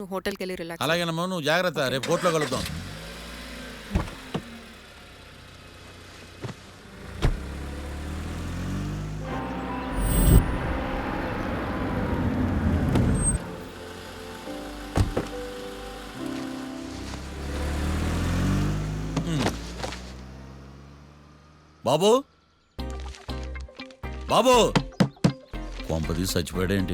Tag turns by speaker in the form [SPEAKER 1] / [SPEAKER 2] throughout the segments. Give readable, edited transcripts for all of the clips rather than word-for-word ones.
[SPEAKER 1] హోటల్కి వెళ్ళి రిలాక్స్.
[SPEAKER 2] అలాగేనమ్మా, నువ్వు జాగ్రత్త, రేపు కోర్టులో కలుద్దాం. బాబు బాబు, కొంపది చచ్చిపోయాడేంటి?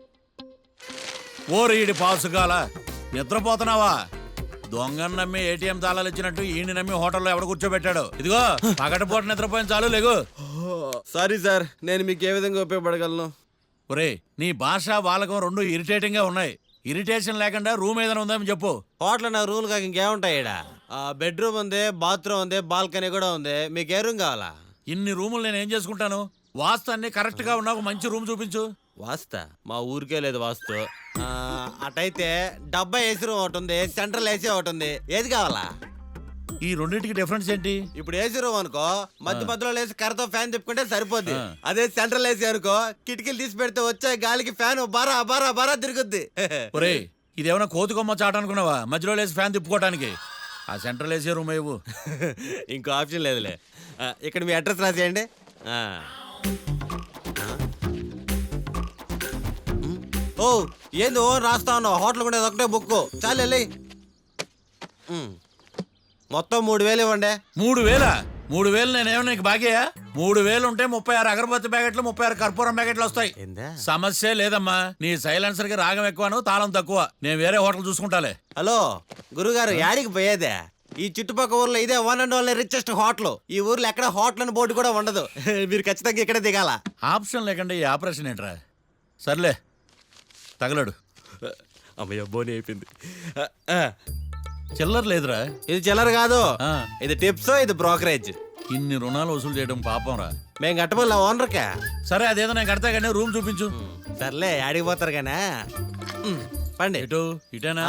[SPEAKER 2] ఓరీడి పాసుగాల, నిద్రపోతున్నావా? దొంగను నమ్మి ఏటీఎం తాళాలు ఇచ్చినట్టు ఈయన నమ్మి హోటల్లో ఎవడ కూర్చోబెట్టాడు? ఇదిగో పగటిపూట నిద్రపోయిన చాలు, లేగు.
[SPEAKER 3] సారీ సార్, నేను మీకు ఏ విధంగా ఉపయోగపడగలను?
[SPEAKER 2] ఒరే, నీ భాష వాలకం రెండు ఇరిటేటింగ్ గా ఉన్నాయి. ఇరిటేషన్ లేకుండా రూమ్ ఏదైనా ఉందని చెప్పు.
[SPEAKER 3] హోటల్ నా రూమ్ కాక ఇంకేముంటాయి? ఈడ బెడ్రూమ్ ఉంది, బాత్రూమ్ ఉంది, బాల్కనీ కూడా ఉంది. మీకు ఏ రూమ్ కావాలా?
[SPEAKER 2] ఇన్ని రూములు నేను ఏం చేసుకుంటాను? వాస్తు అన్ని కరెక్ట్ గా ఉన్నా ఒక మంచి రూమ్ చూపించు.
[SPEAKER 3] వాస్తా మా ఊరికే లేదు వాస్తు. అటైతే డబ్బా ఏసీ రూమ్ ఒకటి ఉంది, సెంట్రల్ ఏసీ ఒకటి ఉంది. ఏది కావాలా?
[SPEAKER 2] ఈ రెండింటికి డిఫరెన్స్ ఏంటి?
[SPEAKER 3] ఇప్పుడు ఏసీ రూమ్ అనుకో, మధ్యలో లేసి కర్రతో ఫ్యాన్ తిప్పుకుంటే సరిపోద్ది. అదే సెంట్రల్ ఏసీ అనుకో, కిటికీలు తీసి పెడితే వచ్చే గాలికి ఫ్యాన్ బారా బారా బారా తిరుగుద్ది.
[SPEAKER 2] ఒరే, ఇదేమన్నా కోతి కొమ్మ చాట అనుకున్నావా మధ్యలో లేసి ఫ్యాన్ తిప్పుకోవటానికి? ఆ సెంట్రల్ ఏసీ రూమ్ ఇవ్వు.
[SPEAKER 3] ఇంకో ఆప్షన్ లేదులే. ఇక్కడ మీ అడ్రస్ రాసేయండి. ఓ ఏంది ఓ రాస్తా ఉన్నావు? హోటల్ కూడా ఒకటే బుక్ చాలు వెళ్ళి. మొత్తం 3000 ఇవ్వండి.
[SPEAKER 2] 3000? 3000 నేనేమన్నా నీకు బాగేయా? 3000 ఉంటే 36 అగరబత్తి ప్యాకెట్లు, 36 కర్పూరం ప్యాకెట్లు వస్తాయి. సమస్య లేదమ్మా. నీ సైలెన్సర్ కి రాగం ఎక్కువను, తాళం తక్కువ. నేను వేరే హోటల్ చూసుకుంటాలే.
[SPEAKER 3] హలో గురుగారు, యాడికి పోయేదే? ఈ చుట్టుపక్కల ఊర్లో ఇదే one and only richest hotel. ఈ ఊర్లో ఎక్కడ హోటల్ అని బోర్డు కూడా ఉండదు. మీరు ఖచ్చితంగా ఇక్కడే దిగాల.
[SPEAKER 2] ఆప్షన్ లేకుండా ఈ ఆపరేషన్ ఏంట్రా? సర్లే, తగలడు.
[SPEAKER 3] అమ్మయ్య, బోని అయిపోయింది.
[SPEAKER 2] చిల్లర లేదురా.
[SPEAKER 3] ఇది చిల్లర కాదు, ఇది టిప్స్, ఇది బ్రోకరేజ్.
[SPEAKER 2] ఇన్ని రుణాలు వసూలు చేయడం పాపం రా.
[SPEAKER 3] మేము కట్టబోలే ఓనర్కే.
[SPEAKER 2] సరే, అదేదో నేను కడతా కానీ రూమ్ చూపించు.
[SPEAKER 3] సర్లే, యాడికి పోతారు కానీ పండి.
[SPEAKER 2] ఇటు ఇటేనా?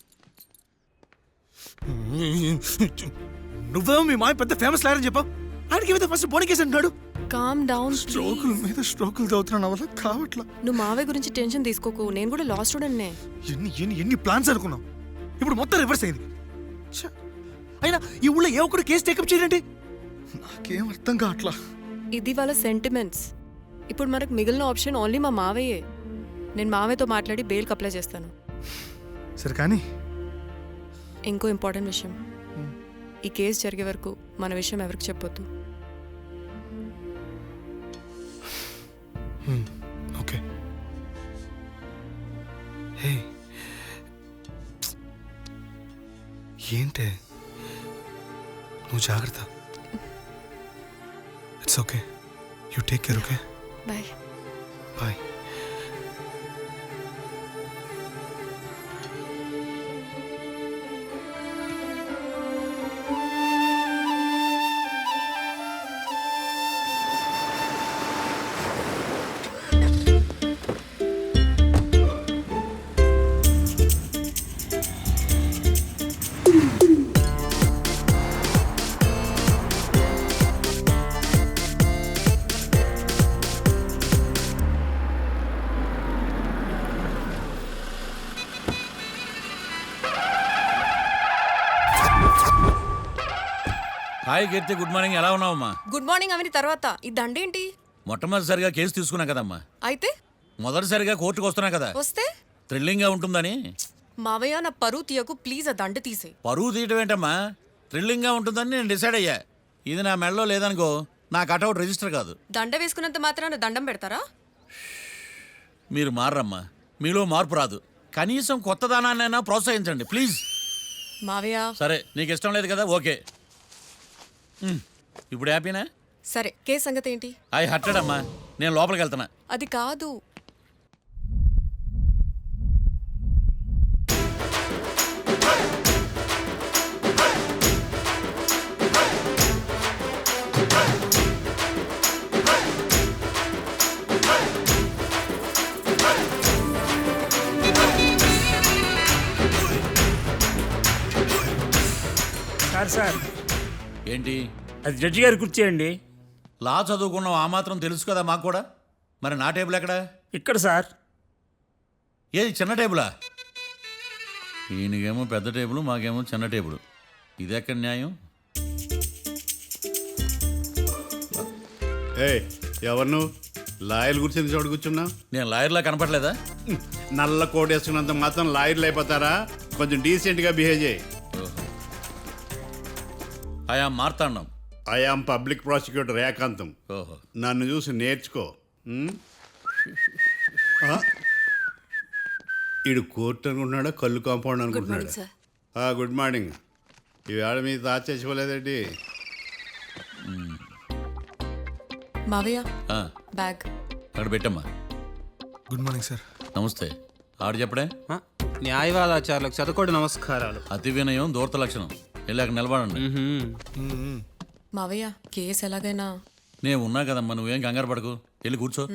[SPEAKER 4] నువ్వేమో మీ మాయ పెద్ద ఫేమస్ లాయర్ అని చెప్పావు. ఆయనకి ఏమైతే ఫస్ట్ బోని కేసు అంటున్నాడు.
[SPEAKER 1] Calm down.
[SPEAKER 4] స్ట్రోకుల మీద స్ట్రోకులు తవ్వుతున్నా వల్ల కావట్లా.
[SPEAKER 1] నువ్వు మావయ్య గురించి టెన్షన్ తీసుకోకు. నేను కూడా లా స్టూడెంట్నే.
[SPEAKER 4] ఎన్ని ప్లాన్స్ అనుకున్నావు, ఇప్పుడు మొత్తం రివర్స్ అయింది. అయినా ఈ ఊళ్ళో ఏ ఒక్కడు కేసు టేకప్ చేయండి, నాకేం అర్థం కావట్లా.
[SPEAKER 1] ఇది వాళ్ళ సెంటిమెంట్స్. ఇప్పుడు మనకు మిగిలిన ఆప్షన్ ఓన్లీ మా మావయ్యే. నేను మావయ్యతో మాట్లాడి బెయిల్కి అప్లై చేస్తాను.
[SPEAKER 4] సరే కానీ
[SPEAKER 1] ఇంకో ఇంపార్టెంట్ విషయం, ఈ కేసు జరిగే వరకు మన విషయం ఎవరికి చెప్పొద్దు.
[SPEAKER 4] ఓకే. హే, ఏంటే నువ్వు జాగ్రత్త. It's okay, you take care. Okay,
[SPEAKER 1] bye
[SPEAKER 4] bye.
[SPEAKER 2] Hi Keerthi, good morning. ఎలా ఉన్నావమ్మా?
[SPEAKER 1] గుడ్ మార్నింగ్ అవని తర్వాత ఈ దండేంటి?
[SPEAKER 2] మొట్టమొదటిసారిగా కేసు తీసుకున్నా కదమ్మా.
[SPEAKER 1] అయితే
[SPEAKER 2] మొదటిసారిగా కోర్టుకు వస్తున్నా కదా,
[SPEAKER 1] వస్తే
[SPEAKER 2] థ్రిల్లింగ్ గా ఉంటుందని.
[SPEAKER 1] మావయ్య, నా పరువు తీయకు ప్లీజ్. ఆ దండ తీసే.
[SPEAKER 2] పరువు తీయటం ఏంటమ్మా? థ్రిల్లింగ్ గా ఉంటుందని నేను డిసైడ్ అయ్యా. ఇది నా మెడలో లేదనుకో, నా కటౌట్ రిజిస్టర్ కాదు.
[SPEAKER 1] దండ వేసుకున్నంత మాత్రాన దండం పెడతారా?
[SPEAKER 2] మీరు మారమ్మా, మీలో మార్పు రాదు. కనీసం కొత్త దానాన్నైనా ప్రోత్సహించండి ప్లీజ్.
[SPEAKER 1] మావయ్య,
[SPEAKER 2] సరే, నీకు ఇష్టం లేదు కదా, ఓకే. ఇప్పుడు హ్యాపీనా?
[SPEAKER 1] సరే, కేసు సంగతి ఏంటి?
[SPEAKER 2] ఐ హర్టెడ్ అమ్మా, నేను లోపలికి వెళ్తున్నా.
[SPEAKER 1] అది కాదు.
[SPEAKER 5] సార్
[SPEAKER 2] ఏంటి?
[SPEAKER 5] అది జడ్జి గారి కుర్చీ అండి.
[SPEAKER 2] లా చదువుకున్నావు, ఆ మాత్రం తెలుసు కదా మాకు కూడా. మరి నా టేబుల్ ఎక్కడ?
[SPEAKER 5] ఇక్కడ సార్.
[SPEAKER 2] ఏది చిన్న టేబులా? ఈయనకేమో పెద్ద టేబుల్, మాకేమో చిన్న టేబుల్. ఇది ఎక్కడ న్యాయం?
[SPEAKER 6] ఎవరు నువ్వు లాయర్ కూర్చొని చోటు కూర్చున్నావు?
[SPEAKER 2] నేను లాయర్లా కనపడలేదా?
[SPEAKER 6] నల్ల కోట్ వేసుకున్నంత మాత్రం లాయర్లు అయిపోతారా? కొంచెం డీసెంట్గా బిహేవ్ చేయి.
[SPEAKER 2] ఆయా మార్తాండం.
[SPEAKER 6] ఐఆమ్ పబ్లిక్ ప్రాసిక్యూటర్ ఏకాంతం.
[SPEAKER 2] ఓహో.
[SPEAKER 6] నన్ను చూసి నేర్చుకో. ఈడు కోర్టు అనుకుంటున్నాడా, కళ్ళు కాంపౌండ్ అనుకుంటున్నాడా? Good morning. ఈవేళ మీ తాత చేసుకోలేదండి.
[SPEAKER 1] మావయ్య
[SPEAKER 2] ఆ,
[SPEAKER 1] బ్యాగ్.
[SPEAKER 2] అక్కడ పెట్టమ్మా.
[SPEAKER 4] Good morning sir.
[SPEAKER 2] నమస్తే. ఆడు చెప్పడే.
[SPEAKER 7] న్యాయవాదాచారులకు చదువుకోండి నమస్కారాలు.
[SPEAKER 2] అతి వినయం దూరత లక్షణం. వెళ్ళి అక్కడ నిలబడండి.
[SPEAKER 1] మావయ్య కేసు ఎలాగైనా.
[SPEAKER 2] నేను ఉన్నా కదమ్మా, నువ్వేం కంగారు పడకు. వెళ్ళి కూర్చో.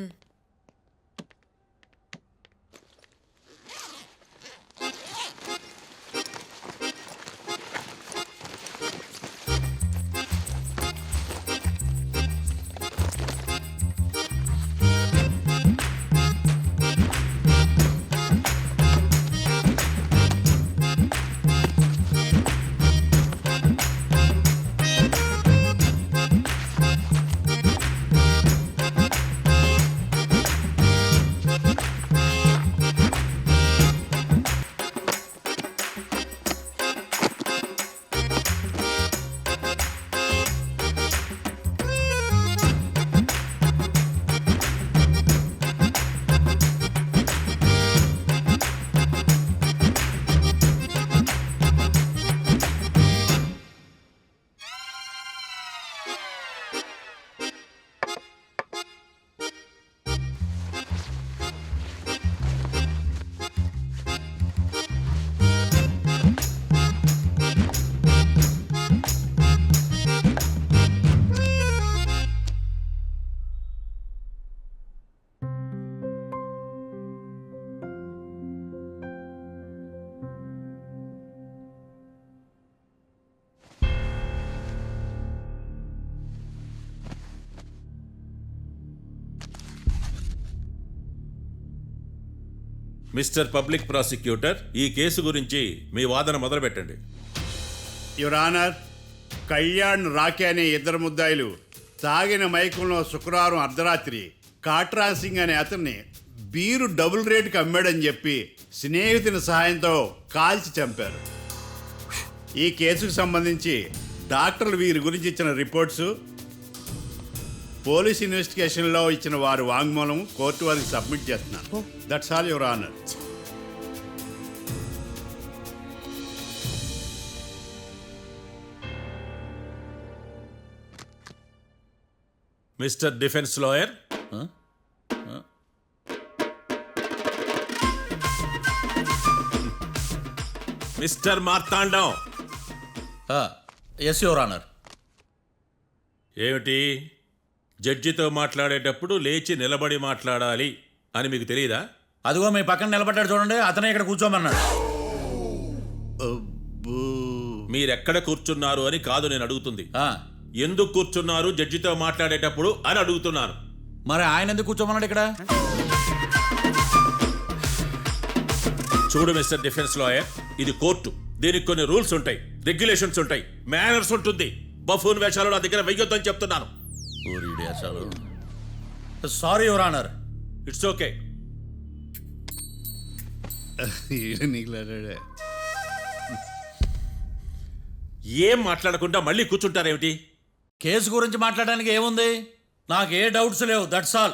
[SPEAKER 8] మిస్టర్ పబ్లిక్ ప్రాసిక్యూటర్, ఈ కేసు గురించి మీ వాదన మొదలుపెట్టండి.
[SPEAKER 6] యువర్ ఆనర్, కళ్యాణ్ రాకే అనే ఇద్దరు ముద్దాయిలు తాగిన మైకంలో శుక్రవారం అర్ధరాత్రి కాట్రా సింగ్ అనే అతన్ని బీరు డబుల్ రేటుకి అమ్మాడని చెప్పి స్నేహితుని సహాయంతో కాల్చి చంపారు. ఈ కేసుకు సంబంధించి డాక్టర్లు వీరి గురించి ఇచ్చిన రిపోర్ట్స్, పోలీస్ ఇన్వెస్టిగేషన్లో ఇచ్చిన వారి వాంగ్మూలం కోర్టు వారికి సబ్మిట్ చేస్తున్నాను. That's all your honour.
[SPEAKER 8] Mister defence lawyer, mister Marthandam.
[SPEAKER 2] Yes your honour.
[SPEAKER 8] ఏమిటి, జడ్జితో మాట్లాడేటప్పుడు లేచి నిలబడి మాట్లాడాలి అని మీకు తెలియదా?
[SPEAKER 2] అదిగో మీ పక్కన నిలబడ్డాడు చూడండి, అతనే ఇక్కడ కూర్చోమన్నాడు.
[SPEAKER 8] మీరెక్కడ కూర్చున్నారు అని కాదు నేను అడుగుతుంది.
[SPEAKER 2] ఆ,
[SPEAKER 8] ఎందుకు కూర్చున్నారు జడ్జితో మాట్లాడేటప్పుడు అని అడుగుతున్నాను.
[SPEAKER 2] మరి ఆయన ఎందుకు కూర్చోమన్నాడు ఇక్కడ?
[SPEAKER 8] చూడు మిస్టర్ డిఫెన్స్ లాయర్, ఇది కోర్టు. దీనికి కొన్ని రూల్స్ ఉంటాయి, రెగ్యులేషన్స్ ఉంటాయి, మేనర్స్ ఉంటుంది. బఫూన్ వేషాలు నా దగ్గర వెయ్యొద్దని చెప్తున్నాను.
[SPEAKER 2] Sorry your honour.
[SPEAKER 8] It's okay. ఏం మాట్లాడకుండా మళ్ళీ కూర్చుంటారేమిటి?
[SPEAKER 2] కేసు గురించి మాట్లాడడానికి ఏముంది? నాకు ఏ డౌట్స్ లేవు, దట్స్ ఆల్.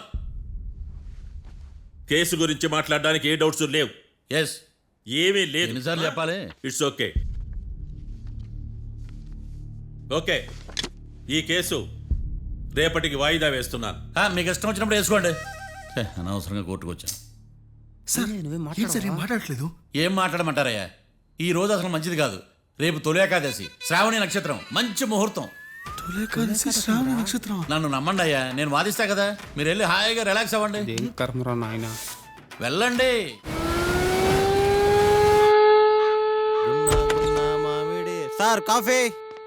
[SPEAKER 8] కేసు గురించి మాట్లాడడానికి ఏ డౌట్స్ లేవు?
[SPEAKER 2] ఎస్.
[SPEAKER 8] ఏమీ లేదు.
[SPEAKER 2] ఎన్నిసార్లు చెప్పాలి?
[SPEAKER 8] It's okay. ఓకే, ఈ కేసు రేపటికి వాయిదా వేస్తున్నాను.
[SPEAKER 2] మీకు ఇష్టం వచ్చినప్పుడు వేసుకోండి. అనవసరంగా కోర్టుకు వచ్చాను.
[SPEAKER 4] సార్ ఏం సార్ ఏం మాట్లాడట్లేదు?
[SPEAKER 2] ఏం మాట్లాడమంటారయ్యా? ఈ రోజు అసలు మంచిది కాదు. రేపు తొలి ఏకాదశి, శ్రావణి నక్షత్రం, మంచి ముహూర్తం.
[SPEAKER 4] తొలేకాదశి శ్రావణ నక్షత్రం.
[SPEAKER 2] నన్ను నమ్మండి అయ్యా, నేను వాదిస్తా కదా. మీరు వెళ్ళి హాయిగా రిలాక్స్ అవ్వండి. వెళ్ళండి.
[SPEAKER 3] Sir coffee.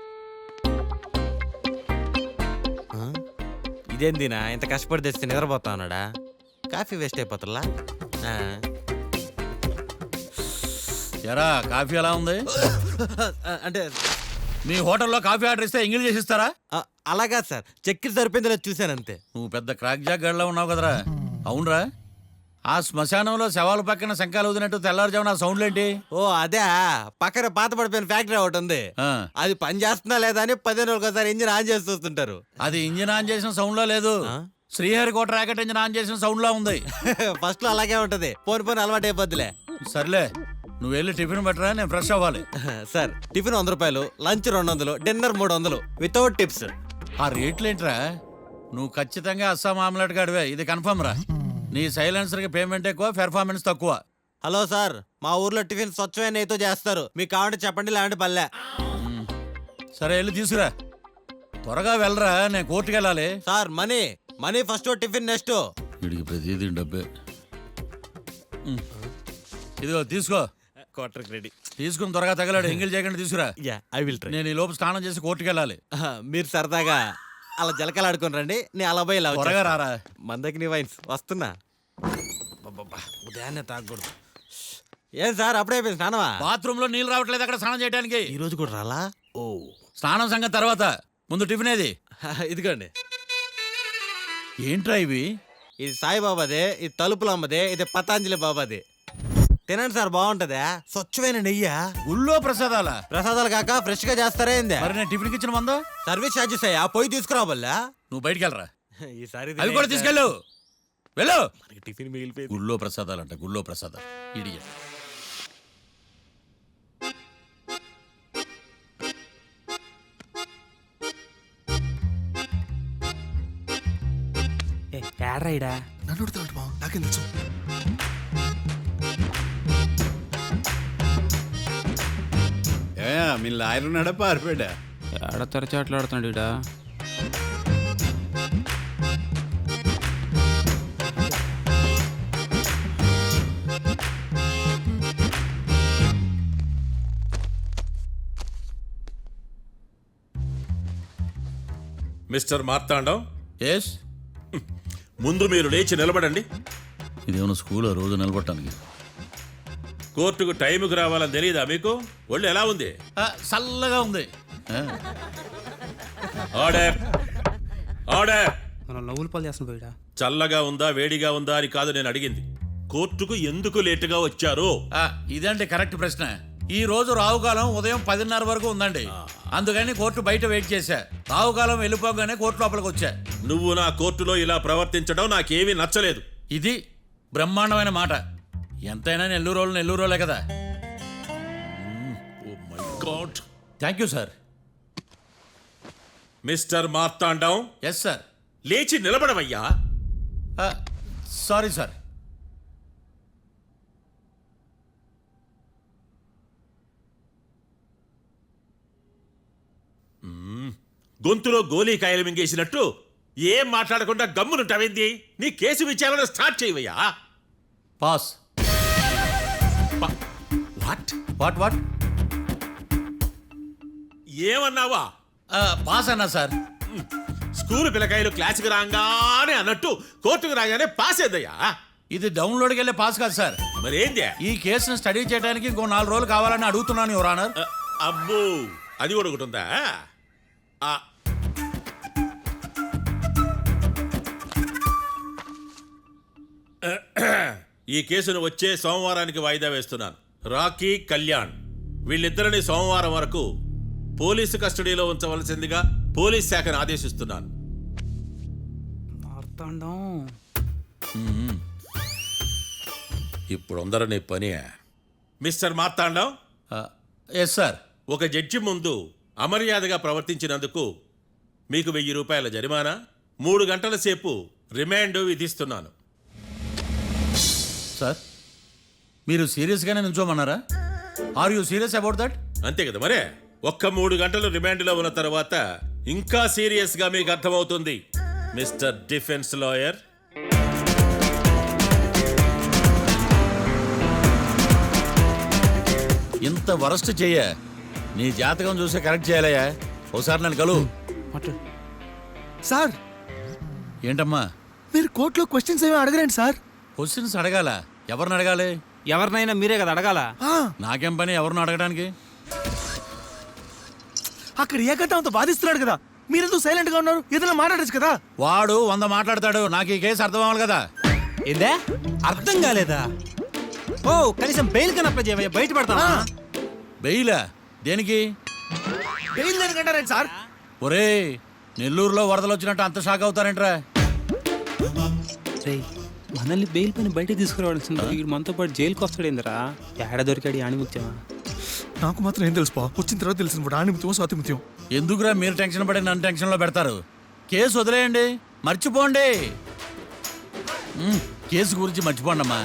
[SPEAKER 3] ఇదేందినా ఇంత కష్టపడి తెస్తే నిద్రపోతా ఉన్నాడా? కాఫీ వేస్ట్ అయిపోతుందా?
[SPEAKER 2] ఎరా కాఫీ ఎలా ఉంది?
[SPEAKER 3] అంటే
[SPEAKER 2] మీ హోటల్లో కాఫీ ఆర్డర్ ఇస్తే ఎంగిల్ చేసి ఇస్తారా?
[SPEAKER 3] అలాగా సార్, చక్కెర సరిపోయిందో లేదో చూశాను అంతే.
[SPEAKER 2] నువ్వు పెద్ద క్రాక్ జాక్ గడిలో ఉన్నావు కదరా. అవునరా, ఆ శ్మశానంలో శవాల పక్కన శంఖాలు ఊదినట్టు తెల్లారుజామున ఆ సౌండ్లేంటి?
[SPEAKER 3] ఓ అదే, పక్కన పాత పడిపోయిన ఫ్యాక్టరీ ఒకటి ఉంది.
[SPEAKER 2] ఆ,
[SPEAKER 3] అది పని చేస్తున్నా లేదా అని 15 రోజులకు ఒకసారి ఇంజిన్ ఆన్ చేసి చూస్తుంటారు.
[SPEAKER 2] అది ఇంజిన్ ఆన్ చేసిన సౌండ్ లో లేదు, శ్రీహరికోట రాకెట్ ఇంజిన్ ఆన్ చేసిన సౌండ్ లో ఉంది.
[SPEAKER 3] ఫస్ట్ లో అలాగే ఉంటది, పోని అలవాటు అయిపోద్దిలే.
[SPEAKER 2] సర్లే, నువ్వు వెళ్ళి టిఫిన్ పెట్టరా, నేను ఫ్రెష్ అవ్వాలి.
[SPEAKER 3] సార్ టిఫిన్ 100 రూపాయలు, లంచ్ 200, డిన్నర్ 300 వితౌట్ టిప్స్.
[SPEAKER 2] ఆ రేట్లేంట్రా? నువ్వు ఖచ్చితంగా అస్సాం ఆమ్లెట్ గాడివే, ఇది కన్ఫర్మ్ రా. నీ సైలెన్సర్ కి పేమెంట్ ఎక్కువ, పెర్ఫార్మెన్స్ తక్కువ.
[SPEAKER 3] హలో సార్, మా ఊర్లో టిఫిన్ స్వచ్ఛమైన నెయ్యితో చేస్తారు, మీకు కావాలంటే చెప్పండి, లేదంటే పల్లె.
[SPEAKER 2] సరే వెళ్ళి తీసుకురా, త్వరగా వెళ్ళరా, నేను కోర్టుకి వెళ్ళాలి.
[SPEAKER 3] Sir money first, tiffin next.
[SPEAKER 2] వీడికి ప్రతిదీ డబ్బే. ఇదిగో తీసుకో,
[SPEAKER 3] క్వార్టర్ రెడీ.
[SPEAKER 2] తీసుకుని త్వరగా తగలాడు, ఎంగిల్ చేయకుండా తీసుకురా.
[SPEAKER 3] I will try.
[SPEAKER 2] నేను ఈ లోపు స్నానం చేసి కోర్టుకి వెళ్ళాలి.
[SPEAKER 3] మీరు సరదాగా అలా జలకలు ఆడుకుని రండి, నేను అలా పోయి ఇలా
[SPEAKER 2] త్వరగా రారా.
[SPEAKER 3] మందకి నీ వైన్స్ వస్తున్నా. ఉదయాన్నే తాగకూడదు. ఏం సార్ అప్పుడే అయిపోయింది స్నానమా?
[SPEAKER 2] బాత్రూమ్ లో నీళ్ళు రావట్లేదు అక్కడ స్నానం చేయడానికి.
[SPEAKER 3] ఈ రోజు కూడా రాలా? ఓ,
[SPEAKER 2] స్నానం సంగతి తర్వాత, ముందు టిఫిన్ ఏది?
[SPEAKER 3] ఇదిగోండి.
[SPEAKER 2] ఏంట్రా ఇవి?
[SPEAKER 3] ఇది సాయిబాబాదే, ఇది తలుపుల అమ్మదే, ఇది పతాంజలి బాబాదే. తినండి సార్, బాగుంటదా? స్వచ్ఛమైన నెయ్యా.
[SPEAKER 2] గుళ్ళో ప్రసాదాలా?
[SPEAKER 3] ప్రసాదాలు కాక ఫ్రెష్ గా చేస్తారా ఏంది?
[SPEAKER 2] మరి నేను టిఫిన్కి ఇచ్చిన మందో?
[SPEAKER 3] సర్వీస్ ఛార్జెస్ అయ్యా, పోయి తీసుకురావల్లా.
[SPEAKER 2] నువ్వు బయటికి వెళ్ళరా.
[SPEAKER 3] ఈసారి
[SPEAKER 2] అవి కూడా తీసుకెళ్ళు, వెళ్ళు.
[SPEAKER 3] టిఫిన్ మిగిలిపోయింది.
[SPEAKER 2] గుళ్ళో ప్రసాదాలంట, గుళ్ళో ప్రసాదాలు. ఇడియట్.
[SPEAKER 5] ఏడ్రైడా
[SPEAKER 4] నన్ను అడుగుతాడు బావ, నాకేం తెలుసు?
[SPEAKER 6] మీ లాయర్ ఉన్నాడా పారిపోయాడా?
[SPEAKER 7] ఏడ తెరచాట్లాడుతున్నాడు ఇడా.
[SPEAKER 8] Mister Marthandam,
[SPEAKER 2] yes.
[SPEAKER 8] ముందు మీరు లేచి నిలబడండి.
[SPEAKER 2] ఇదేమన్నా స్కూల్ రోజు నిలబడటానికి?
[SPEAKER 8] కోర్టుకు టైంకి రావాలని తెలియదా మీకు? ఒళ్ళు ఎలా ఉంది?
[SPEAKER 2] చల్లగా ఉంది.
[SPEAKER 8] Order, order.
[SPEAKER 7] మనం లవ్వులు పాలు చేస్తున్నాం ఇడా.
[SPEAKER 8] చల్లగా ఉందా వేడిగా ఉందా అని కాదు నేను అడిగింది, కోర్టుకు ఎందుకు లేటుగా వచ్చారు?
[SPEAKER 2] ఇదండి కరెక్ట్ ప్రశ్న. ఈ రోజు రావుకాలం ఉదయం 10:30 వరకు ఉందండి, అందుకని కోర్టు బయట వెయిట్ చేశా. రావుకాలం వెళ్ళిపోగానే కోర్టు లోపలికి వచ్చా.
[SPEAKER 8] నువ్వు నా కోర్టులో ఇలా ప్రవర్తించడం నాకేమీ నచ్చలేదు.
[SPEAKER 2] ఇది బ్రహ్మాండమైన మాట. ఎంతైనా నెల్లూరులే కదా.
[SPEAKER 8] Oh my God.
[SPEAKER 2] Thank you sir.
[SPEAKER 8] Mister Marthandam,
[SPEAKER 2] yes sir.
[SPEAKER 8] లేచి నిలబడవయ్యా.
[SPEAKER 2] Sorry sir.
[SPEAKER 8] గొంతులో గోలీకాయలు మింగేసినట్టు ఏం మాట్లాడకుండా గమ్మునుంటావేంది? నీ కేసు విచారణ స్టార్ట్ చేయవయ్యా.
[SPEAKER 2] పాస్.
[SPEAKER 8] What
[SPEAKER 2] what what?
[SPEAKER 8] ఏమన్నావా?
[SPEAKER 2] పాస్ అన్నా సార్.
[SPEAKER 8] స్కూల్ పిల్లకాయలు క్లాసుకు రాగానే అన్నట్టు కోర్టుకు రాగానే పాస్ ఏదయ్యా?
[SPEAKER 2] ఇది డౌన్లోడ్కి వెళ్ళే పాస్ కాదు సార్.
[SPEAKER 8] మరేంది?
[SPEAKER 2] ఈ కేసును స్టడీ చేయడానికి ఇంకో 4 రోజులు కావాలని అడుగుతున్నాను యువర్ ఆనర్.
[SPEAKER 8] అబ్బో, అది కూడా ఒకటి ఉందా? ఈ కేసును వచ్చే సోమవారానికి వాయిదా వేస్తున్నాను. రాకీ, కళ్యాణ్ వీళ్ళిద్దరిని సోమవారం వరకు పోలీసు కస్టడీలో ఉంచవలసిందిగా పోలీస్ శాఖను ఆదేశిస్తున్నాను.
[SPEAKER 5] మార్తాండం.
[SPEAKER 8] ఇప్పుడు అందరూ పని. Mister Marthandam,
[SPEAKER 2] yes sir.
[SPEAKER 8] ఒక జడ్జి ముందు అమర్యాదగా ప్రవర్తించినందుకు మీకు 1000 రూపాయల జరిమానా, 3 గంటల సేపు రిమాండ్ విధిస్తున్నాను.
[SPEAKER 2] సార్, మీరు సీరియస్గానే నిల్చోమన్నారా? Are you serious about that?
[SPEAKER 8] అంతే కదా మరే. ఒక్క 3 గంటలు రిమాండ్లో ఉన్న తర్వాత ఇంకా సీరియస్గా మీకు అర్థమవుతుంది మిస్టర్ డిఫెన్స్ లాయర్.
[SPEAKER 2] ఇంత వరస్ట్ చెయ్య, నీ జాతకం చూసి కరెక్ట్ చేయాలయ్యా. ఒకసారి నన్ను కలువు.
[SPEAKER 4] సార్,
[SPEAKER 2] ఏంటమ్మా?
[SPEAKER 4] మీరు కోర్టులో క్వశ్చన్స్ ఏమీ అడగరండి సార్.
[SPEAKER 2] క్వశ్చన్స్ అడగాల? ఎవరిని అడగాలి?
[SPEAKER 7] ఎవరినైనా మీరే కదా అడగాల.
[SPEAKER 4] ఆ,
[SPEAKER 2] నాకేం పని ఎవరిని అడగడానికి?
[SPEAKER 4] అక్కడ ఏకతాంతో బాధిస్తున్నాడు కదా, మీరెందుకు సైలెంట్ గా ఉన్నారు? ఏదైనా మాట్లాడచ్చు కదా.
[SPEAKER 2] వాడు 100 మాట్లాడతాడు, నాకు ఈ కేసు అర్థం అవ్వాలి కదా.
[SPEAKER 7] ఏందే అర్థం కాలేదా? ఓ కనీసం బెయిల్ కన్నా అప్లై చేయవయ్యా, బయట పడతావా?
[SPEAKER 2] బెయిలా? దేనికి?
[SPEAKER 4] బెయిల్ దేనికంటారేంటి సార్?
[SPEAKER 2] ఒరే, నెల్లూరులో వరదలు వచ్చినట్టు అంత షాక్ అవుతారేంట్రా?
[SPEAKER 7] రేయ్, మనల్ని బెయిల్ పని బయట తీసుకురావాల్సింది వీడు మనతో పాటు జైలుకి వస్తాడేందిరా? ఏడ దొరికాడు ఆణిముత్యమా?
[SPEAKER 4] నాకు మాత్రం ఏం తెలుసు, వచ్చిన తర్వాత తెలిసింది ఆణిముత్యం స్వాతిముత్యం.
[SPEAKER 2] ఎందుకురా మీరు టెన్షన్ పడి నన్ను టెన్షన్లో పెడతారు? కేసు వదిలేయండి, మర్చిపోండి. కేసు గురించి మర్చిపోండి అమ్మా.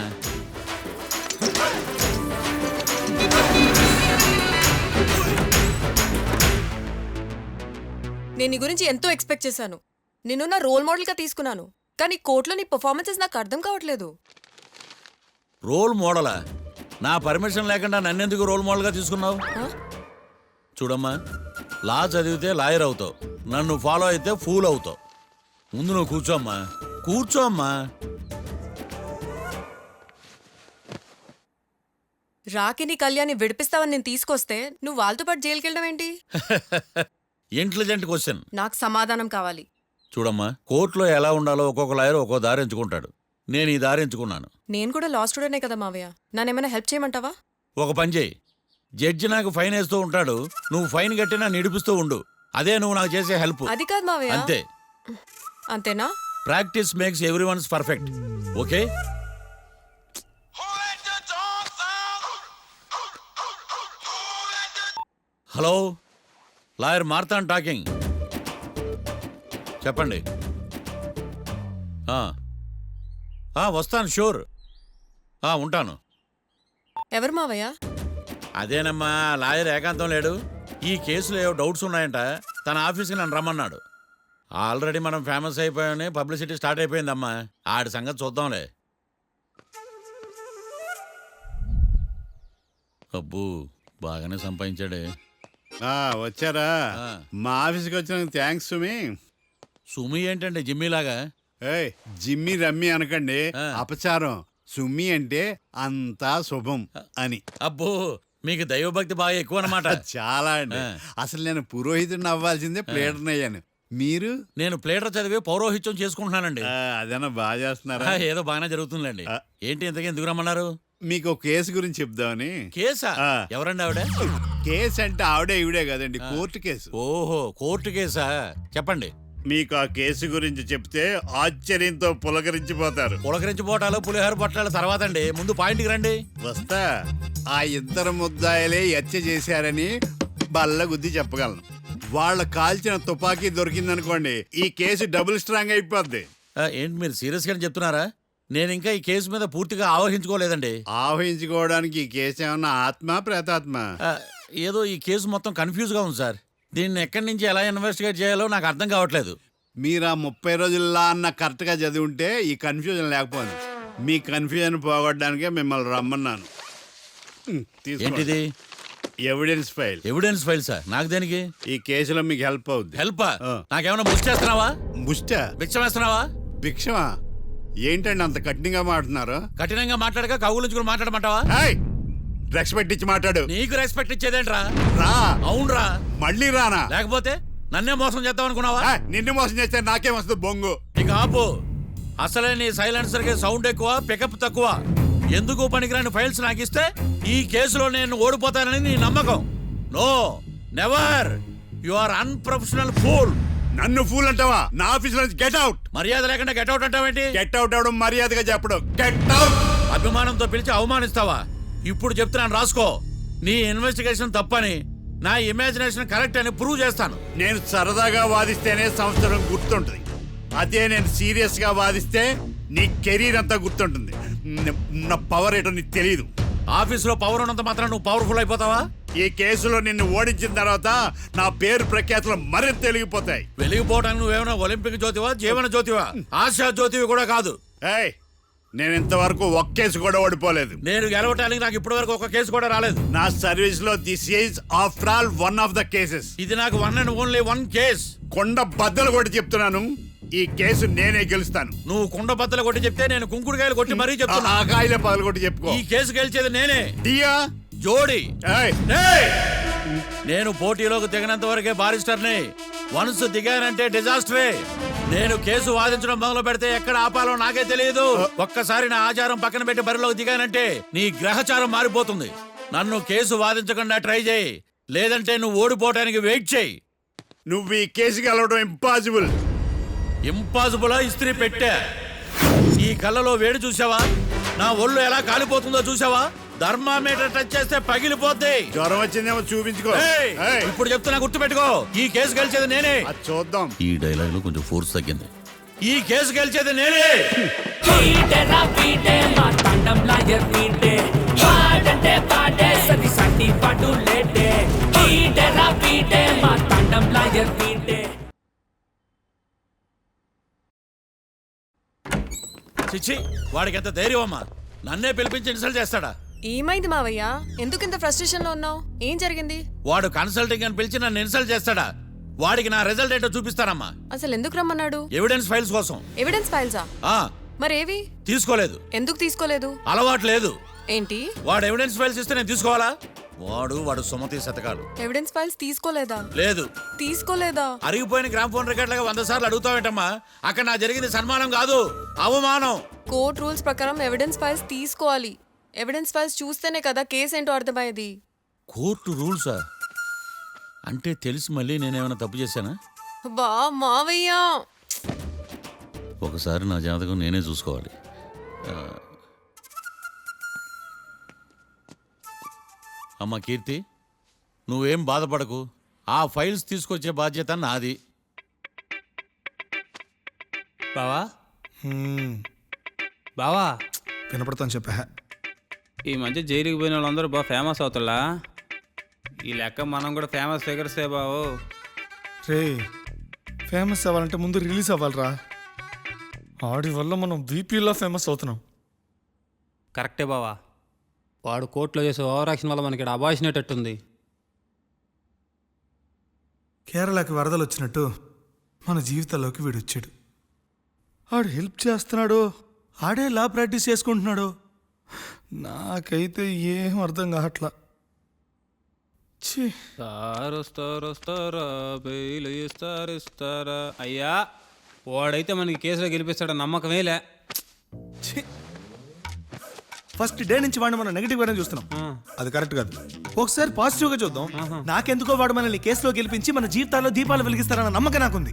[SPEAKER 1] నేను నీ గురించి ఎంతో ఎక్స్పెక్ట్ చేశాను. నిన్ను నా రోల్ మోడల్గా తీసుకున్నాను. కానీ కోర్టులో నీ పర్ఫార్మెన్సెస్ నాకు అర్థం కావట్లేదు.
[SPEAKER 2] రోల్ మోడలా? నా పర్మిషన్ లేకుండా నన్నెందుకు రోల్ మోడల్గా తీసుకున్నావు? చూడమ్మా, లా చదివితే లాయర్ అవుతావు, నన్ను ఫాలో అయితే ఫూల్ అవుతావు. ముందు నువ్వు కూర్చోమ్మా, కూర్చోమ్మా.
[SPEAKER 1] రాకిని కళ్యాణ్ని విడిపిస్తావని నేను తీసుకొస్తే నువ్వు వాళ్ళతో పాటు జైలుకి వెళ్ళడం ఏంటి?
[SPEAKER 2] Intelligent question.
[SPEAKER 1] నాకు సమాధానం కావాలి.
[SPEAKER 2] చూడమ్మా, కోర్టులో ఎలా ఉండాలో ఒక్కొక్క లాయర్ ఒక్కో దారి ఎంచుకుంటాడు. నేను ఈ దారి ఎంచుకున్నాను.
[SPEAKER 1] నేను కూడా లా స్టూడెంటే కదా మావయ్య, నన్నేమైనా హెల్ప్ చేయమంటావా?
[SPEAKER 2] ఒక పని చేయి, జడ్జి నాకు ఫైన్ వేస్తూ ఉంటాడు, నువ్వు ఫైన్ కట్టినా నిడిపిస్తూ ఉండు. అదే నువ్వు నాకు చేసే హెల్ప్.
[SPEAKER 1] అది కాదు మావయ్య.
[SPEAKER 2] అంతే.
[SPEAKER 1] అంతేనా?
[SPEAKER 2] Practice makes every ones perfect. Okay? Hello, lawyer Marthan talking. చెప్పండి. వస్తాను, షూర్. ఉంటాను.
[SPEAKER 1] ఎవరు మావయ్య?
[SPEAKER 2] అదేనమ్మా, లాయర్ ఏకాంతం లేడు. ఈ కేసులో ఏవో డౌట్స్ ఉన్నాయంట, తన ఆఫీస్కి నన్ను రమ్మన్నాడు. ఆల్రెడీ మనం ఫేమస్ అయిపోయామని పబ్లిసిటీ స్టార్ట్ అయిపోయిందమ్మా. ఆడి సంగతి చూద్దాంలే. అబ్బు, బాగానే సంపాదించాడే.
[SPEAKER 6] వచ్చారా?
[SPEAKER 2] ఆ.
[SPEAKER 6] మా ఆఫీస్కి వచ్చినందుకు థ్యాంక్స్ సుమి.
[SPEAKER 2] సుమి ఏంటండి జిమ్మీలాగా?
[SPEAKER 6] ఏయ్, జిమ్మి రమ్మి అనకండి,
[SPEAKER 2] ఆ.
[SPEAKER 6] అపచారం. సుమి అంటే అంతా శుభం అని.
[SPEAKER 2] అబ్బో, మీకు దైవభక్తి బాగా ఎక్కువ అన్నమాట.
[SPEAKER 6] చాలా అండి.
[SPEAKER 2] ఆ.
[SPEAKER 6] అసలు నేను పురోహితుడిని అవ్వాల్సిందే, ప్లేటర్ని అయ్యాను. మీరు?
[SPEAKER 2] నేను ప్లేటర్ చదివి పౌరోహిత్యం చేసుకుంటున్నానండి.
[SPEAKER 6] అదేనా బాగా చేస్తున్నారా?
[SPEAKER 2] ఏదో బాగానే జరుగుతుందండి.
[SPEAKER 6] ఆ.
[SPEAKER 2] ఏంటి ఇంతకీ ఎందుకు రమ్మన్నారు?
[SPEAKER 6] మీకు ఒక కేసు గురించి చెప్దామని.
[SPEAKER 2] కేసా?
[SPEAKER 6] ఆ.
[SPEAKER 2] ఎవరండి ఆవిడ?
[SPEAKER 6] కేసు అంటే ఆవిడే ఈవిడే కదండి, కోర్టు కేసు.
[SPEAKER 2] ఓహో, కోర్టు కేసా? చెప్పండి.
[SPEAKER 6] మీకు ఆ కేసు గురించి చెప్తే ఆశ్చర్యంతో పులకరించిపోతారు.
[SPEAKER 2] పులకరించిపోవటాలు పులిహోర పొట్టాల తర్వాత అండి, ముందు పాయింట్కి రండి.
[SPEAKER 6] వస్తా. ఆ ఇద్దరు ముద్దాయలే హత్య చేశారని బల్ల గుద్ది చెప్పగలను. వాళ్ళ కాల్చిన తుపాకీ దొరికిందనుకోండి, ఈ కేసు డబుల్ స్ట్రాంగ్ అయిపోద్ది.
[SPEAKER 2] ఏంటి మీరు సీరియస్ గా చెప్తున్నారా? నేను ఇంకా ఈ కేసు మీద పూర్తిగా ఆవహించుకోలేదండి.
[SPEAKER 6] ఆవహించుకోవడానికి ఈ కేసు ఏమన్నా ఆత్మ ప్రేతాత్మ?
[SPEAKER 2] ఏదో ఈ కేసు మొత్తం కన్ఫ్యూజ్ గా ఉంది సార్. దీన్ని ఎక్కడి నుంచి ఎలా ఇన్వెస్టిగేట్ చేయాలో నాకు అర్థం కావట్లేదు.
[SPEAKER 6] మీరు ఆ 30 రోజుల్లో అన్న కరెక్ట్గా చదివి ఉంటే ఈ కన్ఫ్యూజన్ లేకపోయింది. మీ కన్ఫ్యూజన్ పోగొట్టడానికే మిమ్మల్ని రమ్మన్నాను.
[SPEAKER 2] ఏంటిది?
[SPEAKER 6] Evidence file.
[SPEAKER 2] Evidence file sir? నాకు దేనికి?
[SPEAKER 6] ఈ కేసులో మీకు హెల్ప్ అవుద్ది.
[SPEAKER 2] హెల్ప్?
[SPEAKER 6] ఆ.
[SPEAKER 2] నాకేమైనా ముష్టి చేస్తున్నావా?
[SPEAKER 6] ముష్ట?
[SPEAKER 2] భిక్షం వేస్తున్నావా?
[SPEAKER 6] భిక్షమా? ఏంటండి అంత కఠినంగా మాట్లాడుతున్నారు?
[SPEAKER 2] కఠినంగా మాట్లాడక కవులుంచుకుని మాట్లాడమంటావా?
[SPEAKER 6] రెస్పెక్ట్ ఇచ్చి మాట్లాడు.
[SPEAKER 2] నీకు రెస్పెక్ట్ ఇచ్చేదేంట్రా?
[SPEAKER 6] రా.
[SPEAKER 2] అవునరా?
[SPEAKER 6] మళ్ళీ రానా?
[SPEAKER 2] లేకపోతే నన్నే మోసం చేద్దాం అనుకున్నావా?
[SPEAKER 6] నిన్ను మోసం చేస్తే నాకేం వస్తుంది బొంగు?
[SPEAKER 2] ఇక ఆపు. అసలే నీ సైలెన్సర్ కి సౌండ్ ఎక్కువ, పికప్ తక్కువ. ఎందుకు పనికిరాని ఫైల్స్ నాకు ఇస్తే ఈ కేసులో నేను ఓడిపోతానని నీ నమ్మకం. No, never. You are unprofessional fool.
[SPEAKER 6] నన్ను ఫూల్ అంటావా? నా ఆఫీస్ నుంచి గెట్ అవుట్.
[SPEAKER 2] మర్యాద లేకుండా గెట్ అవుట్ అంటావేంటి?
[SPEAKER 6] గెట్ అవుట్ అవడం మర్యాదగా చెప్పడం. Get out.
[SPEAKER 2] అభిమానంతో పిలిచి అవమానిస్తావా? ఇప్పుడు చెప్తున్నాను, రాసుకో. నీ ఇన్వెస్టిగేషన్ తప్పని, నా ఇమాజినేషన్ కరెక్ట్ అని ప్రూవ్ చేస్తాను.
[SPEAKER 6] నేను సరదాగా వాదిస్తేనే సంవత్సరం గుర్తుంటుంది. అదే నేను సీరియస్ గా వాదిస్తే నీ కెరీర్ అంతా గుర్తుంటుంది. నా పవర్ ఏంటో నీకు తెలియదు.
[SPEAKER 2] ఆఫీసులో పవర్ ఉన్నంత మాత్రం నువ్వు పవర్ఫుల్ అయిపోతావా?
[SPEAKER 6] ఈ కేసులో నిన్ను ఓడించిన తర్వాత నా పేరు ప్రఖ్యాతులు మరింత వెలిగిపోతాయి.
[SPEAKER 2] వెలిగిపోవడానికి నువ్వేమైనా ఒలింపిక్ జ్యోతివా, జీవన జ్యోతివా? ఆశా జ్యోతివి కూడా కాదు.
[SPEAKER 6] ఏయ్, నేను ఇంతవరకు ఒక్క కేసు కూడా ఓడిపోలేదు.
[SPEAKER 2] నేను గెలవటానికి నాకు ఇప్పటి వరకు ఒక కేసు కూడా రాలేదు.
[SPEAKER 6] నా సర్వీస్ లో this is after all one of the cases.
[SPEAKER 2] ఇది నాకు one and only one case.
[SPEAKER 6] కొండ బద్దలు కూడా చెప్తున్నాను, ఈ కేసు నేనే గెలుస్తాను.
[SPEAKER 2] నువ్వు కుండ బద్దలు కొట్టి చెప్తే నేను కుంకుడుకాయలు కొట్టి మరీ చెప్తున్నా.
[SPEAKER 6] ఆ కాయలే పగలగొట్టి చెప్పుకో.
[SPEAKER 2] ఈ కేసు గెలిచేది నేనే.
[SPEAKER 6] దియా
[SPEAKER 2] జోడి
[SPEAKER 6] ఏయ్,
[SPEAKER 2] ఏయ్! నేను పోటీలోకి దిగినంత వరకే బారిస్టర్ని. వన్స్ దిగానంటే డిజాస్టరే. నేను కేసు వాదించడం మొదలు పెడితే ఎక్కడ ఆపాలో నాకే తెలియదు. ఒక్కసారి నా ఆచారం పక్కన పెట్టి బరిలోకి దిగానంటే నీ గ్రహచారం మారిపోతుంది. నన్ను కేసు వాదించకుండా ట్రై చేయి, లేదంటే నువ్వు ఓడిపోవటానికి వెయిట్ చేయి.
[SPEAKER 6] నువ్వు ఈ కేసు గెలవడం ఇంపాసిబుల్.
[SPEAKER 2] ఇంపాసిబులా? ఇస్త్రీ పెట్టా. ఈ కళ్ళలో వేడి చూసావా? నా ఒళ్ళు ఎలా కాలిపోతుందో చూసావా? థర్మామీటర్ టచ్ చేస్తే పగిలిపోద్ది.
[SPEAKER 6] జ్వరం వచ్చిందేమో చూపించుకో.
[SPEAKER 2] ఏయ్!
[SPEAKER 6] ఏయ్,
[SPEAKER 2] ఇప్పుడు చెప్తున్నా, గుర్తుపెట్టుకో, ఈ కేసు గెలిచేది నేనే.
[SPEAKER 6] అది చూద్దాం.
[SPEAKER 2] ఈ డైలాగ్ లో కొంచెం ఫోర్స్ తగ్గింది. ఈ కేసు గెలిచేది నేనే. చిచ్చి, వాడికి ఎంత ధైర్యం అమ్మా! నన్నే పిలిపించి ఇన్సల్ట్ చేస్తాడా?
[SPEAKER 1] ఏమైంది మావయ్య? ఎందుకు ఇంత ఫ్రస్ట్రేషన్ లో ఉన్నావు? ఏం జరిగింది?
[SPEAKER 2] వాడు కన్సల్టింగ్ అని పిలిచి నన్ను ఇన్సల్ట్ చేస్తాడా? వాడికి నా రిజల్ట్ ఏంటో చూపిస్తానమ్మా.
[SPEAKER 1] అసలు ఎందుకు రమ్మన్నాడు?
[SPEAKER 2] ఎవిడెన్స్ ఫైల్స్ కోసం.
[SPEAKER 1] ఎవిడెన్స్ ఫైల్సా?
[SPEAKER 2] ఆ
[SPEAKER 1] మరేవి?
[SPEAKER 2] తీసుకోలేదు.
[SPEAKER 1] ఎందుకు తీసుకోలేదు?
[SPEAKER 2] అలవాటు లేదు.
[SPEAKER 1] ఏంటి?
[SPEAKER 2] వాడు ఎవిడెన్స్ ఫైల్స్ ఇస్తే నేను తీసుకోవాలా? వాడు సుమతి శతకాలు.
[SPEAKER 1] ఎవిడెన్స్ ఫైల్స్ తీసుకోలేదా?
[SPEAKER 2] లేదు.
[SPEAKER 1] తీసుకోలేదా?
[SPEAKER 2] అరిగిపోయిన గ్రామ్ ఫోన్ రికార్డులుగా 100 సార్లు అడుగుతావేంటమ్మా? అక్కడ నా జరిగింది సన్మానం కాదు, అవమానం.
[SPEAKER 1] కోర్ట్ రూల్స్ ప్రకారం ఎవిడెన్స్ ఫైల్స్ తీసుకోవాలి. ఎవిడెన్స్ ఫైల్స్ చూస్తేనే కదా కేసు ఏంటో అర్థమయ్యేది.
[SPEAKER 2] కోర్టు రూల్సా? అంటే తెలిసి మళ్ళీ నేనేమైనా తప్పు చేశానా?
[SPEAKER 1] బా మావయ్య,
[SPEAKER 2] ఒకసారి నా జాతకం నేనే చూసుకోవాలి. అమ్మ కీర్తి, నువ్వేం బాధపడకు. ఆ ఫైల్స్ తీసుకొచ్చే బాధ్యత నాది.
[SPEAKER 7] బావా బావా,
[SPEAKER 4] వినపడతాను చెప్పా.
[SPEAKER 7] ఈ మధ్య జైలుకి పోయిన వాళ్ళందరూ బాగా ఫేమస్ అవుతారా? ఈ లెక్క మనం కూడా ఫేమస్ ఫిగర్సే బావు.
[SPEAKER 4] రే, ఫేమస్ అవ్వాలంటే ముందు రిలీజ్ అవ్వాలిరా. ఆడి వల్ల మనం బీపీలా ఫేమస్ అవుతున్నాం.
[SPEAKER 7] కరెక్టే బావా. వాడు కోర్టులో చేసే ఓవర్ యాక్షన్ వల్ల మనకి అబాయిసినట్టుంది.
[SPEAKER 4] కేరళకి వరదలు వచ్చినట్టు మన జీవితాల్లోకి వీడు వచ్చాడు. ఆడు హెల్ప్ చేస్తున్నాడు, ఆడే లా ప్రాక్టీస్ చేసుకుంటున్నాడు. నాకైతే ఏం అర్థం కావట్లా. ఛీ,
[SPEAKER 7] వస్తారా బెయిల్ ఇస్తారా? అయ్యా, వాడైతే మనకి కేసులో గెలిపిస్తాడని నమ్మకమేలే.
[SPEAKER 4] ఛీ. ఫస్ట్ డే నుంచి వాడిని మనం నెగిటివ్ గానే చూస్తున్నాం. అది కరెక్ట్ కాదు. ఒకసారి పాజిటివ్ గా చూద్దాం. నాకెందుకో వాడు మనల్ని కేసులో గెలిపించి మన జీవితాల్లో దీపాలు వెలిగిస్తారన్న నమ్మకం నాకుంది.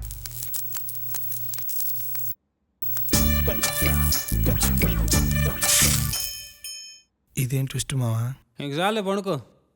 [SPEAKER 4] ఇదేం ట్విస్ట్ మావా?
[SPEAKER 7] ఇంక చాలే పడుకో.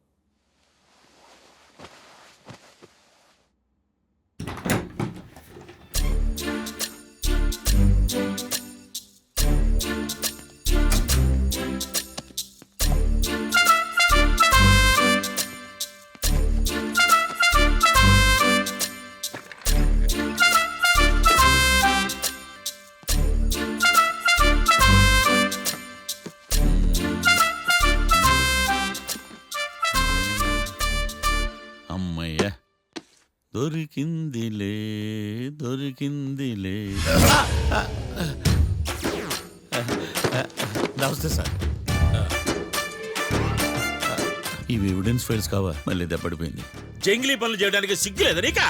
[SPEAKER 2] అమ్మయ్య, దొరికిందిలే దొరికిందిలే. నమస్తే సార్. ఇవి ఎవిడెన్స్ ఫైల్స్ కావా? మళ్ళీ దెబ్బడిపోయింది.
[SPEAKER 8] జంగిలీ పనులు చేయడానికి సిగ్గులేదు నీకా?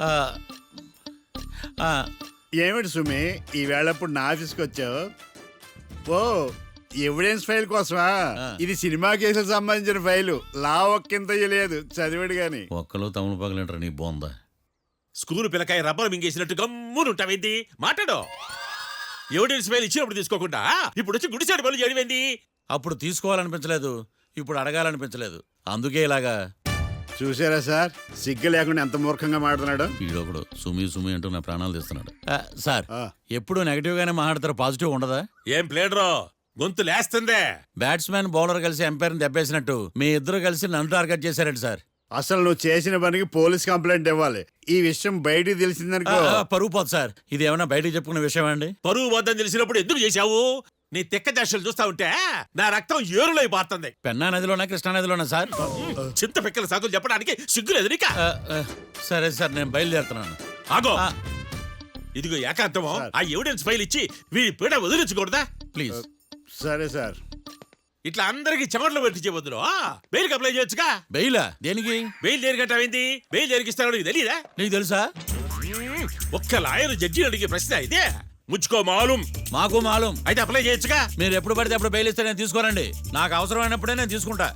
[SPEAKER 6] ఏమిటి సుమి, ఈ వేళప్పుడు నా ఆఫీస్కి వచ్చావు? ఓ, ఎవిడెన్స్ ఫైల్ కోసమా? ఇది సినిమా కేసులకు సంబంధించిన ఫైలు. లా ఒక్కింత లేదు, చదివాడు గాని.
[SPEAKER 2] ఒక్కలో తమను పగలంటారా నీ బోందా?
[SPEAKER 8] School పిల్లకాయ rubber మింగేసినట్టు గమ్మునుంటావేంది? మాట్లాడు. ఎవిడెన్స్ ఫైల్ ఇచ్చినప్పుడు తీసుకోకుండా ఇప్పుడు వచ్చి గుడిసాడు పనులు చేయడమేంది?
[SPEAKER 2] అప్పుడు తీసుకోవాలనిపించలేదు, ఇప్పుడు అడగాలనిపించలేదు. అందుకే ఇలాగా.
[SPEAKER 6] చూసారా సార్, సిగ్గు లేకుండా ఎంత మూర్ఖంగా మాట్లాడుతున్నాడు.
[SPEAKER 2] ఈడొకడు సుమి సుమి అంటూ నా ప్రాణాలు తీస్తున్నాడు. సార్,
[SPEAKER 6] ఆ.
[SPEAKER 2] ఎప్పుడు నెగిటివ్ గానే మాట్లాడతారు, పాజిటివ్ ఉండదా?
[SPEAKER 8] ఏం ప్లేడరో గొంతు లేస్తుందే.
[SPEAKER 2] బ్యాట్స్మెన్ బౌలర్ కలిసి ఎంపైర్ని దెబ్బేసినట్టు మీ ఇద్దరు కలిసి నన్ను టార్గెట్ చేశారండి సార్.
[SPEAKER 6] అసలు నువ్వు చేసిన పనికి పోలీస్ కంప్లైంట్ ఇవ్వాలి. ఈ విషయం బయటికి తెలిసిందనుకో
[SPEAKER 2] పరుగు పోదు సార్. ఇది ఏమైనా బయటికి చెప్పుకునే విషయం అండి?
[SPEAKER 8] పరువు వద్దని తెలిసినప్పుడు ఎందుకు చేశావు? నీ తెక్క దశలు చూస్తా ఉంటే నా రక్తం ఏరులై పారుతుంది.
[SPEAKER 2] పెన్నా నదిలోనా కృష్ణా నదిలోనా సార్?
[SPEAKER 8] చింత పిక్కల సాకులు చెప్పడానికి సిగ్గులేదు నీకా?
[SPEAKER 2] సరే సార్, నేను బయలుదేరుతున్నాను.
[SPEAKER 8] ఆగో, ఇదిగో ఏకాంతమో ఆ ఎవిడెన్స్ ఫైల్ ఇచ్చి వీడి పీడ వదిలించకూడదా?
[SPEAKER 2] ప్లీజ్.
[SPEAKER 6] సరే సార్.
[SPEAKER 8] ఇట్లా అందరికి చెమటలు పెట్టించే బదులు బెయిల్కి అప్లై చేయొచ్చుగా.
[SPEAKER 2] బెయిలా? దేనికి?
[SPEAKER 8] బెయిల్ దేనికంటావేంది? బెయిల్ జరిగిస్తాడో నీకు తెలియదా?
[SPEAKER 2] నీకు తెలుసా?
[SPEAKER 8] ఒక్క లాయర్ జడ్జి అడిగే ప్రశ్న ఇదే. ముచ్చుకో మాలూం.
[SPEAKER 2] మాకు మాలూం.
[SPEAKER 8] అయితే అప్లై చేయొచ్చుగా.
[SPEAKER 2] మీరు ఎప్పుడు పడితే అప్పుడు బెయిల్ ఇస్తే నేను తీసుకోనండి. నాకు అవసరమైనప్పుడే నేను తీసుకుంటా.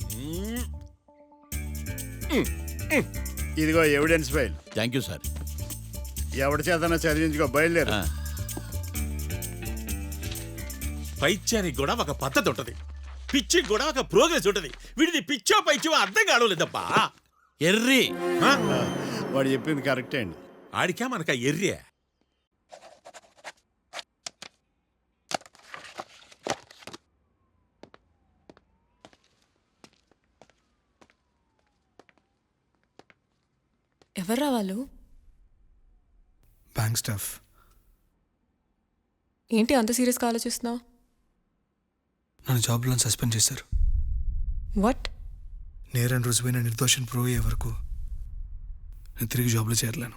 [SPEAKER 6] ఇదిగో evidence file.
[SPEAKER 2] Thank you sir.
[SPEAKER 6] ఎవరి చేతనా చదివించుకో, బయలుదేరు.
[SPEAKER 8] పైత్యానికి కూడా ఒక పద్ధతి ఉంటది, పిచ్చికి కూడా ఒక ప్రోగ్రెస్ ఉంటది. వీడిది పిచ్చో పైచో అర్థం కావలేదప్పా.
[SPEAKER 2] ఎర్రి.
[SPEAKER 6] వాడు చెప్పింది కరెక్టే అండి.
[SPEAKER 8] ఆడికా మనక ఎర్రే.
[SPEAKER 1] ఎవర్రా వాళ్ళు?
[SPEAKER 4] Bank staff.
[SPEAKER 1] ఏంటి అంత సీరియస్గా ఆలోచిస్తున్నావు?
[SPEAKER 4] నన్ను జాబ్లో సస్పెండ్ చేశారు.
[SPEAKER 1] వాట్?
[SPEAKER 4] నేరం రుజువైన నిర్దోషం ప్రూవ్ అయ్యే వరకు నేను తిరిగి జాబ్లో చేరలేను.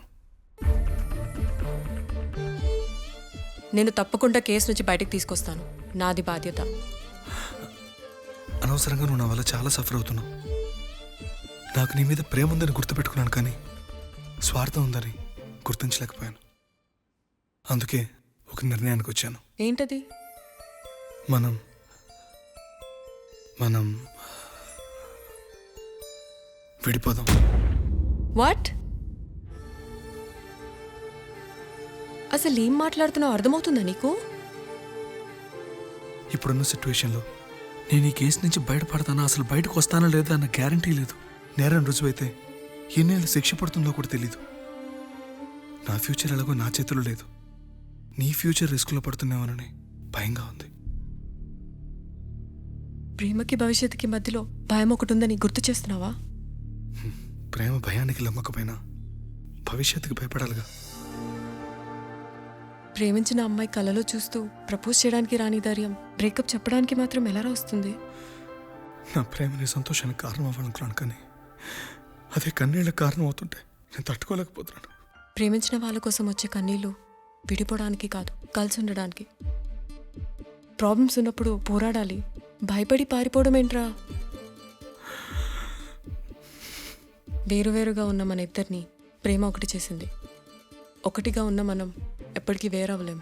[SPEAKER 1] నేను తప్పకుండా కేసు నుంచి బయటకు తీసుకొస్తాను. నాది బాధ్యత.
[SPEAKER 4] అనవసరంగా నువ్వు నా వల్ల చాలా సఫర్ అవుతున్నావు. నాకు నీ మీద ప్రేమ ఉందని గుర్తుపెట్టుకున్నాను, కానీ స్వార్థం ఉందని గుర్తించలేకపోయాను. అందుకే ఒక నిర్ణయానికి వచ్చాను.
[SPEAKER 1] ఏంటది?
[SPEAKER 4] మనం విడిపోదాం.
[SPEAKER 1] వాట్? అసలు ఏం మాట్లాడుతున్నావు అర్థమవుతుందా నీకు?
[SPEAKER 4] ఇప్పుడున్న సిచ్యువేషన్లో నేను ఈ కేసు నుంచి బయటపడతానా, అసలు బయటకు వస్తానా లేదా అన్న గ్యారంటీ లేదు. నేరం రుజువైతే ఎన్నేళ్ళు శిక్ష పడుతుందో కూడా తెలీదు. నా ఫ్యూచర్ ఎలాగో నా చేతిలో లేదు. నీ ఫ్యూచర్ రిస్క్లో పడుతున్నామని భయంగా ఉంది.
[SPEAKER 1] ప్రేమకి భవిష్యత్తుకి మధ్యలో భయం ఒకటి ఉందని గుర్తు చేస్తున్నావా?
[SPEAKER 4] ప్రేమ భయానికి లమ్మకపోయినా భవిష్యత్తుకి భయపడాలిగా.
[SPEAKER 1] ప్రేమించిన అమ్మాయి కలలో చూస్తూ ప్రపోజ్ చేయడానికి రాని ధైర్యం బ్రేకప్ చెప్పడానికి మాత్రం ఎలా వస్తుంది?
[SPEAKER 4] నా ప్రేమని సంతోషానికి కారణం అవ్వాలనుకున్నాను, కానీ అదే కన్నీళ్ళకి కారణం అవుతుంటే నేను తట్టుకోలేకపోతున్నాను.
[SPEAKER 1] ప్రేమించిన వాళ్ళ కోసం వచ్చే కన్నీళ్ళు విడిపోవడానికి కాదు, కలిసి ఉండడానికి. ప్రాబ్లమ్స్ ఉన్నప్పుడు పోరాడాలి, భయపడి పారిపోవడం ఏంట్రా? వేరువేరుగా ఉన్న మన ఇద్దరిని ప్రేమ ఒకటి చేసింది. ఒకటిగా ఉన్న మనం ఎప్పటికీ వేరవ్వలేం.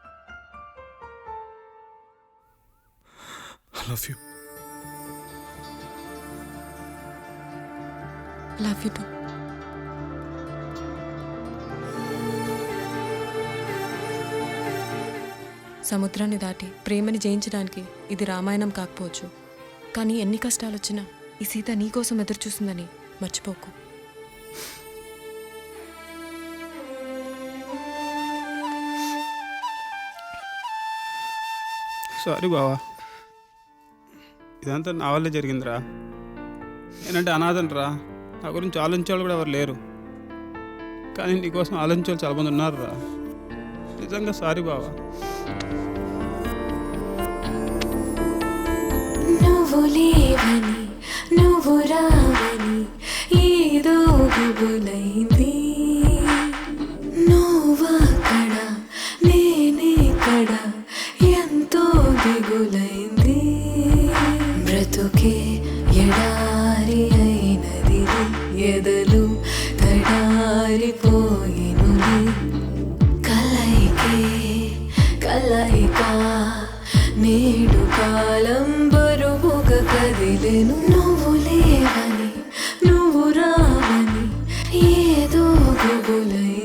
[SPEAKER 4] I love you.
[SPEAKER 1] Love you too. సముద్రాన్ని దాటి ప్రేమని జయించడానికి ఇది రామాయణం కాకపోవచ్చు, కానీ ఎన్ని కష్టాలు వచ్చినా ఈ సీత నీకోసం ఎదురు చూస్తుందని మర్చిపోకు.
[SPEAKER 7] సారీ బావా, ఇదంతా నా వల్లే జరిగిందిరా. నేనంటే అనాథనరా, నా గురించి ఆలోచించేవాళ్ళు కూడా ఎవరు లేరు. కానీ నీకోసం ఆలోచించేవాళ్ళు చాలామంది ఉన్నారురా. నిజంగా సారీ బావా.
[SPEAKER 9] నువ్వు లేవని నువ్వు రావని ఏదో గుబులైంది. నువ్వక్కడ నేనేక్కడ ఎంతో దిగులైంది. బ్రతుకే ఎడారి అయినది, ఎదలు తడారిపోయినుది. కలయిక నేడు కాలం బరువుగా కదిలేను. నువ్వు లేవని నువ్వు రావని ఏదో గుబులై